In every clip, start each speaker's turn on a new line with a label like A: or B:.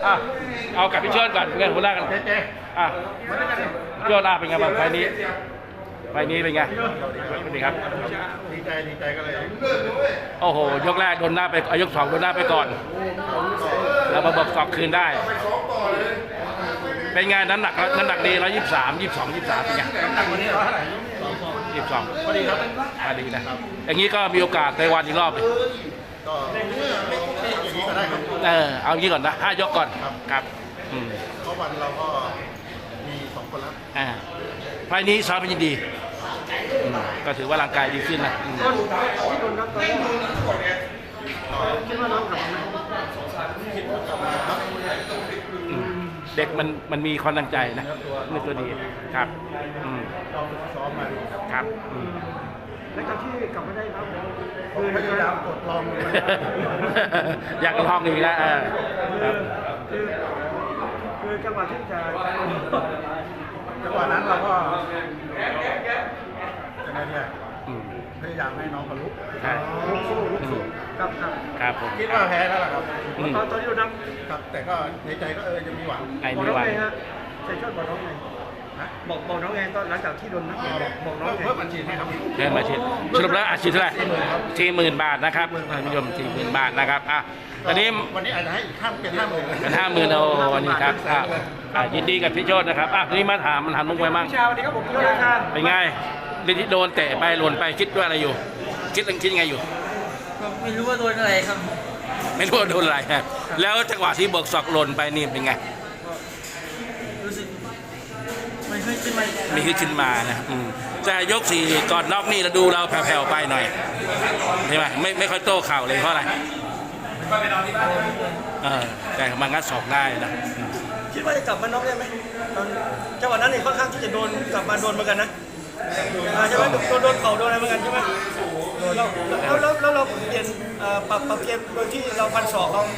A: เอากับพี่เชิญก่อนเพื่อนหัวหน้ากันอ่ะพี่เชิญเป็นไงบ้างไฟนี้เป็นไงสวัสดีครับ
B: ดีใจก็เลย
A: โอ้โหยกแรกโดนหน้าไปยกสองโดนหน้าไปก่อนแล้วมาบอกสอบคืนได้เป็นไงน้ำหนักดี123 22 23เป็นไง
B: น้ำหนักวันนี้เท่าไหร่
A: 22
B: พอดีครับ
A: ดีนะอย่างนี้ก็มีโอกาสในวันอีกรอบ
B: ก็อย่างนี้ก็ได้ครับ
A: เอางี้ก่อนนะ5 ยกก่อนครับ
B: เพราะวันเราก็มี2 คนแล้ว
A: ไฟนี้ซ้อมเป็นดีก็ถือว่าร่างกายดีขึ้นนะเด็กมันมีความตั้งใจนะนี่ตัวดีครับ
B: ซ้อมมา
A: ครับ
C: แล้วการที่กลับมาได้ครับ
B: คือพยายามกดลอง
A: อยากลองอีกแล้ว
C: คือจังหวะที่จะ
B: จังหวะนั้นเราก็จะไงเนี่ยพยายามให้น้องบรรลุ
C: ลุก
A: ครับผม
B: คิดว่าแพ้แล้วล่ะครับ
C: ตอนที่เราดัง
B: ครับแต่ก็ในใจก็ยังมีหวัง
C: บอกน้องไงฮะใจชอบบอกน้องไงบอกน้องไงตอนหลังจากที่โดนนักบอกน้อง
B: เพิ่มบัญชีให้ครับ
A: เพิ่มบัญชีสรุปแล้วอาชีพเท่าไหร่40,000 บาทนะครับท่านผู้ชม40,000 บาทนะครับตอนนี้
B: วันนี้อาจจะให้อีกเป็น
A: 50,000โอ้วันนี้ครับยินดีกับพี่โชตินะครับทีนี้มาถามมันหันมุกไปมั่ง
C: สวัสดีครับผมพี่โชติครับ
A: เป็นไงที่โดนเตะไปหล่นไปคิดว่าอะไรอยู่คิดยังไงอยู่
D: ไม่รู้ว่าโดนอะไรครับ
A: ไม่รู้ว่าโดนอะไรแล้วจังหวะที่เบิกศอกหล่นไปนี่เป็นไง
D: รู้สึกไม่ขึ้นมา
A: มีขึ้นมานะแต่ยก4ก่อนน็อกนี่เราดูเราแผ่วๆไปหน่อยใช่ไหมไม่ค่อยโต้เข่าเลยเพราะอะไรแต่มางัดศอกได้นะ
C: คิดว่าจะกลับมาน็อกได้ไหมจังหวะนั้นนี่ค่อนข้างที่จะโดนกลับมาโดนเหมือนกันนะใช่ไหมโดนเข่าโดนอะไรเหมือนกันใช่ไหมแล้วเราเปลี่ยนปรับเกมโดยที่เราฟันศอกเรา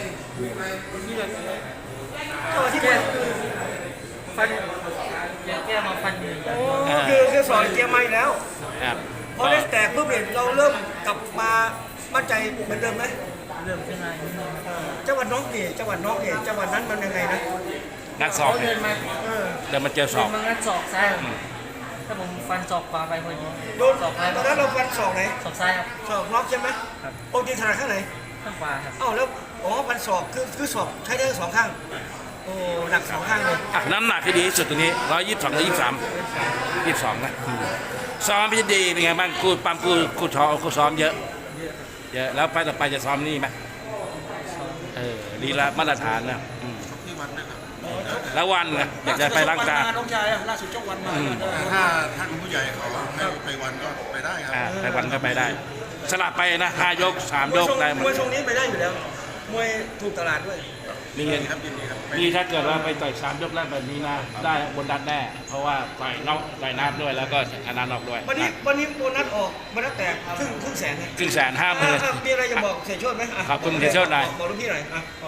C: ที่
D: ฟันแก้มาฟัน
C: คือสอนเกมใหม่แล้วพอได้แตกปุ๊บเนี่ยเราเริ่มกลับมามั่นใจเหมือนเดิมไหม
D: เริ่มขึ้นมา
C: จังหวัดน้องเนี่ยจังหวัดนั้นมันยังไงนะ
A: งัดศอก
D: เดิน
A: มาเจอศอก
D: มันงัดศอกซ้ายถ้าผมฟันศอกขวาไปพอดี
C: โดนตอนนั้นเราฟันศอกไหน
D: ศอกซ้ายครับ
C: ศอกล็อกใช่ไหมปกติถนัดข้างไหน
D: ข้างขวาครับ
C: แล้วฟันศอกคือศอกใช้ได้2 ข้างโอ้หนัก2 ข้างเลย
A: น้ำหนักที่ดีที่สุดตัวนี้122 22นะซ้อมพี่ดีเป็นไงบ้างกูปั๊มกูซ้อมเยอะแล้วไปต่อไปจะซ้อมนี่ไหมดีละมาตรฐานนะแล้ววันนะอยากจะไปร่างกาย
C: น้องชายล่าสุดเจ้าวันมา
B: ถ้าผู้ใหญ่เขาให้ไปวันก็ไปได้ครับ
A: ไปวันก็ไปได้สลับไปนะ5 ยก 3 ยกได้หมด
C: มวยทรงนี้ไปได้อยู่แล้วมวยถูกตลาดด้วย
A: มีเงินครับนี่ถ้าเกิดว่าไปต่อย3 ยกแรกแบบนี้นะได้บนดันแน่เพราะว่าต่อยน้ำด้วยแล้วก็อนันต์ออกด้วย
C: วันนี้โบนัสออกโบนัสแตกครึ่งแสน
A: 150,000
C: มีอะไรจะบอกเสียโชติไหม
A: ขอบคุณเสียโชติหน่อย
C: บอกลูกพี่หน่อย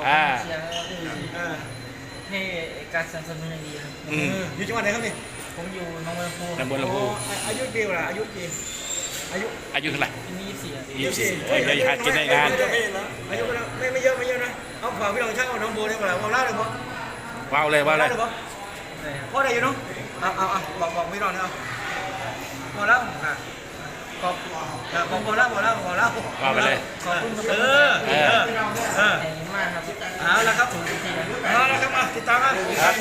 D: ให้การสนับสนุนดีครับ
C: อยู่จังหวัดไหนครับนี่
D: ผมอยู่น้องบัวลำพู
C: อายุปีอะไรอายุ
A: เท่าไหร่
D: 24
A: หัดกินได้งาน
C: อายุไม่เยอะนะเอาฝากพี่น้องช่างเอาน้องโบได้เปล่าเอาเล่าเลย
A: ว้าวเลยพ่อ
C: ได้อยู่เนาะบอกพี่น้องนะพอแล้วพอแล้ว
A: ว่าไปเลย
D: ขอบคุณมากครับ
C: เอาละครับติดตามกัน